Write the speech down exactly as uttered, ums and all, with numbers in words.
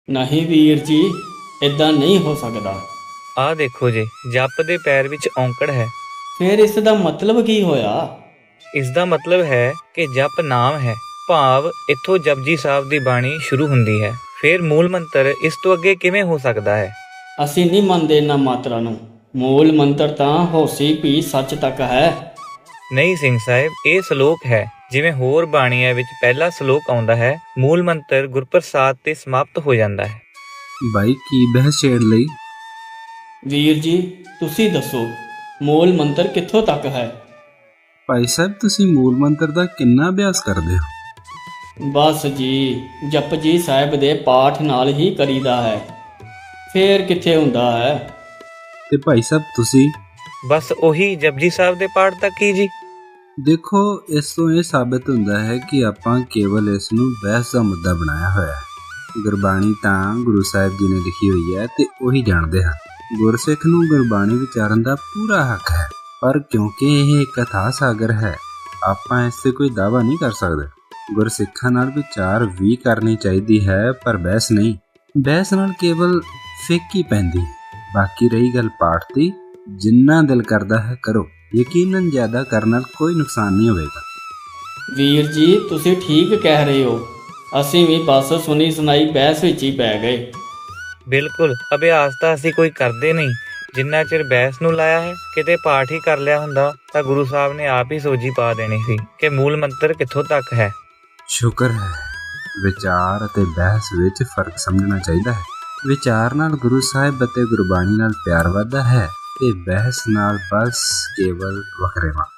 ਨਹੀਂ ਵੀਰ ਜੀ, ਇਦਾਂ ਨਹੀਂ ਹੋ ਸਕਦਾ। ਆਹ ਦੇਖੋ ਜੀ, ਜਪ ਦੇ ਪੈਰ ਵਿੱਚ ਔਂਕੜ ਹੈ। ਫਿਰ ਇਸ ਦਾ ਮਤਲਬ ਕੀ ਹੋਇਆ? ਇਸ ਦਾ ਮਤਲਬ ਹੈ ਕਿ ਜਪ ਨਾਮ ਹੈ, ਭਾਵ ਇੱਥੋਂ ਜਪਜੀ ਸਾਹਿਬ ਦੀ ਬਾਣੀ ਸ਼ੁਰੂ ਹੁੰਦੀ ਹੈ। ਫਿਰ ਮੂਲ ਮੰਤਰ ਇਸ ਤੋਂ ਅੱਗੇ ਕਿਵੇਂ ਹੋ ਸਕਦਾ ਹੈ? ਅਸੀਂ ਨਹੀਂ ਮੰਨਦੇ ਇਹਨਾਂ ਮਾਤਰਾ ਨੂੰ। ਮੂਲ ਮੰਤਰ ਤਾਂ ਹੋਸੀ ਵੀ ਸੱਚ ਤੱਕ ਹੈ। ਨਹੀਂ ਸਿੰਘ ਸਾਹਿਬ, ਇਹ ਸ਼ਲੋਕ ਹੈ। ਜਿਵੇਂ ਹੋਰ ਬਾਣੀਆਂ ਵਿੱਚ ਪਹਿਲਾ ਸ਼ਲੋਕ ਆਉਂਦਾ ਹੈ, ਮੂਲ ਮੰਤਰ ਗੁਰਪ੍ਰਸਾਦ ਤੇ ਸਮਾਪਤ ਹੋ ਜਾਂਦਾ ਹੈ। ਬਾਈ ਕੀ ਬਹਿਸ ਛੇੜ ਲਈ? ਵੀਰ ਜੀ ਤੁਸੀਂ ਦੱਸੋ, ਮੂਲ ਮੰਤਰ ਕਿੱਥੋਂ ਤੱਕ ਹੈ? ਭਾਈ ਸਾਹਿਬ ਤੁਸੀਂ ਮੂਲ ਮੰਤਰ ਦਾ ਕਿੰਨਾ ਅਭਿਆਸ ਕਰਦੇ ਹੋ? ਬਸ ਜੀ, ਜਪਜੀ ਸਾਹਿਬ ਦੇ ਪਾਠ ਨਾਲ ਹੀ ਕਰੀਦਾ ਹੈ। ਫੇਰ ਕਿੱਥੇ ਹੁੰਦਾ ਹੈ? ਤੇ ਭਾਈ ਸਾਹਿਬ ਤੁਸੀਂ? ਬਸ ਉਹੀ ਜਪਜੀ ਸਾਹਿਬ ਦੇ ਪਾਠ ਤੱਕ ਹੀ ਜੀ। ਦੇਖੋ, ਇਸ ਤੋਂ ਇਹ ਸਾਬਿਤ ਹੁੰਦਾ ਹੈ ਕਿ ਆਪਾਂ ਕੇਵਲ ਇਸ ਨੂੰ ਬਹਿਸ ਦਾ ਮੁੱਦਾ ਬਣਾਇਆ ਹੋਇਆ ਹੈ। ਗੁਰਬਾਣੀ ਤਾਂ ਗੁਰੂ ਸਾਹਿਬ ਜੀ ਨੇ ਲਿਖੀ ਹੋਈ ਹੈ ਤੇ ਉਹੀ ਜਾਣਦੇ ਹਨ। ਗੁਰਸਿੱਖ ਨੂੰ ਗੁਰਬਾਣੀ ਵਿਚਾਰਨ ਦਾ ਪੂਰਾ ਹੱਕ ਹੈ, ਪਰ ਕਿਉਂਕਿ ਇਹ ਇੱਕ ਅਥਾਹ ਸਾਗਰ ਹੈ, ਆਪਾਂ ਇਸ 'ਤੇ ਕੋਈ ਦਾਅਵਾ ਨਹੀਂ ਕਰ ਸਕਦੇ। ਗੁਰਸਿੱਖਾਂ ਨਾਲ ਵਿਚਾਰ ਵੀ ਕਰਨੀ ਚਾਹੀਦੀ ਹੈ, ਪਰ ਬਹਿਸ ਨਹੀਂ। ਬਹਿਸ ਨਾਲ ਕੇਵਲ ਫਿੱਕ ਹੀ ਪੈਂਦੀ। ਬਾਕੀ ਰਹੀ ਗੱਲ ਪਾਠ ਦੀ, ਜਿੰਨਾ ਦਿਲ ਕਰਦਾ ਹੈ ਕਰੋ। ਯਕੀਨਨ ਜ਼ਿਆਦਾ ਕਰਨ ਨਾਲ ਕੋਈ ਨੁਕਸਾਨ ਨਹੀਂ ਹੋਵੇਗਾ। ਵੀਰ ਜੀ ਤੁਸੀਂ ਠੀਕ ਕਹਿ ਰਹੇ ਹੋ। ਅਸੀਂ ਵੀ ਬਸ ਸੁਣੀ ਸੁਣਾਈ ਬਹਿਸ ਵਿੱਚ ਹੀ ਪੈ ਗਏ। ਬਿਲਕੁਲ, ਅਭਿਆਸ ਤਾਂ ਅਸੀਂ ਕੋਈ ਕਰਦੇ ਨਹੀਂ। ਜਿੰਨਾ ਚਿਰ ਬਹਿਸ ਨੂੰ ਲਾਇਆ ਹੈ, ਕਿਤੇ ਪਾਠ ਹੀ ਕਰ ਲਿਆ ਹੁੰਦਾ ਤਾਂ ਗੁਰੂ ਸਾਹਿਬ ਨੇ ਆਪ ਹੀ ਸੋਝੀ ਪਾ ਦੇਣੀ ਸੀ ਕਿ ਮੂਲ ਮੰਤਰ ਕਿੱਥੋਂ ਤੱਕ ਹੈ। ਸ਼ੁਕਰ ਹੈ, ਵਿਚਾਰ ਅਤੇ ਬਹਿਸ ਵਿੱਚ ਫਰਕ ਸਮਝਣਾ ਚਾਹੀਦਾ ਹੈ। ਵਿਚਾਰ ਨਾਲ ਗੁਰੂ ਸਾਹਿਬ ਅਤੇ ਗੁਰਬਾਣੀ ਨਾਲ ਪਿਆਰ ਵੱਧਦਾ ਹੈ ਤੇ ਬਹਿਸ ਨਾਲ ਬਸ ਕੇਵਲ ਵਖਰੇਵਾਂ।